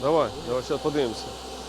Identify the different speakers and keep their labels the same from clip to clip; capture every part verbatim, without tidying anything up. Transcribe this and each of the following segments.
Speaker 1: Давай, давай, зараз подивимося.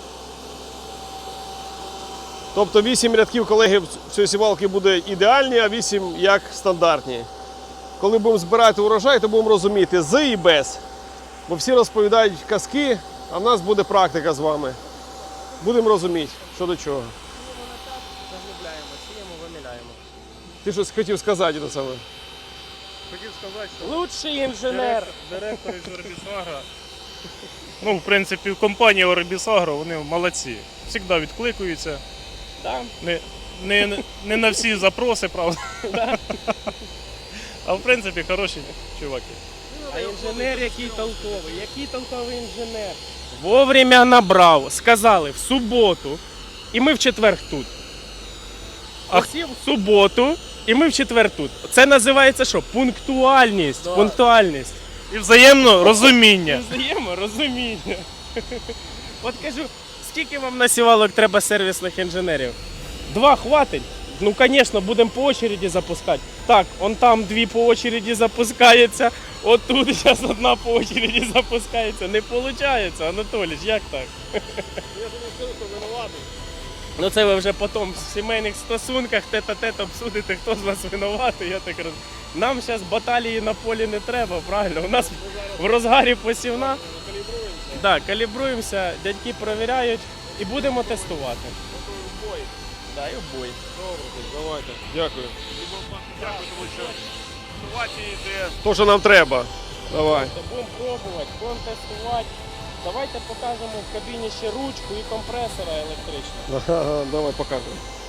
Speaker 1: Тобто вісім рядків, колеги, в цієї сівалки буде ідеальні, а вісім як стандартні. Коли будемо збирати урожай, то будемо розуміти з і без. Бо всі розповідають казки, а в нас буде практика з вами. Будемо розуміти, що до чого.
Speaker 2: Заглубляємо, сіємо, виміляємо.
Speaker 1: Ти щось хотів сказати до цього?
Speaker 3: Хотів сказати, що
Speaker 2: Лучший інженер.
Speaker 3: директор, директор із Орбісагро, ну, в принципі, компанія Орбісагро, вони молодці. Завжди відкликуються.
Speaker 2: Да.
Speaker 3: Не, не, не на всі запроси, правда. А в принципі, хороші чуваки.
Speaker 2: А інженер який толковий, який толковий інженер. Вовремя набрав, сказали в суботу, і ми в четвер тут. А в суботу, і ми в четвер тут. Це називається що? Пунктуальність.
Speaker 1: Да.
Speaker 2: Пунктуальність.
Speaker 3: І взаємно розуміння.
Speaker 2: Взаєморозуміння. От кажу, скільки вам на сівалок треба сервісних інженерів? Два хватить? Ну, звісно, будемо по очереді запускати. Так, он там дві по очереді запускається, отут зараз одна по очереді запускається. Не виходить, Анатолій, як так?
Speaker 1: Я думаю, що винуватий.
Speaker 2: Ну це ви вже потім в сімейних стосунках тет-а-тет обсудите, хто з вас винуватий, я так розумію. Нам зараз баталії на полі не треба, правильно? У нас в розгарі посівна.
Speaker 1: Калібруємося.
Speaker 2: Так, калібруємося, дядьки перевіряють і будемо тестувати.
Speaker 1: Бой.
Speaker 2: Да, і в бой.
Speaker 1: Добре, давайте. Дякую.
Speaker 3: Дякую, тому що ситуація йде.
Speaker 1: То, що нам треба. Давай.
Speaker 2: Тобто будемо пробувати, будемо тестувати. Давайте покажемо в кабіні ще ручку і компресора електричного.
Speaker 1: Ага, давай покажемо.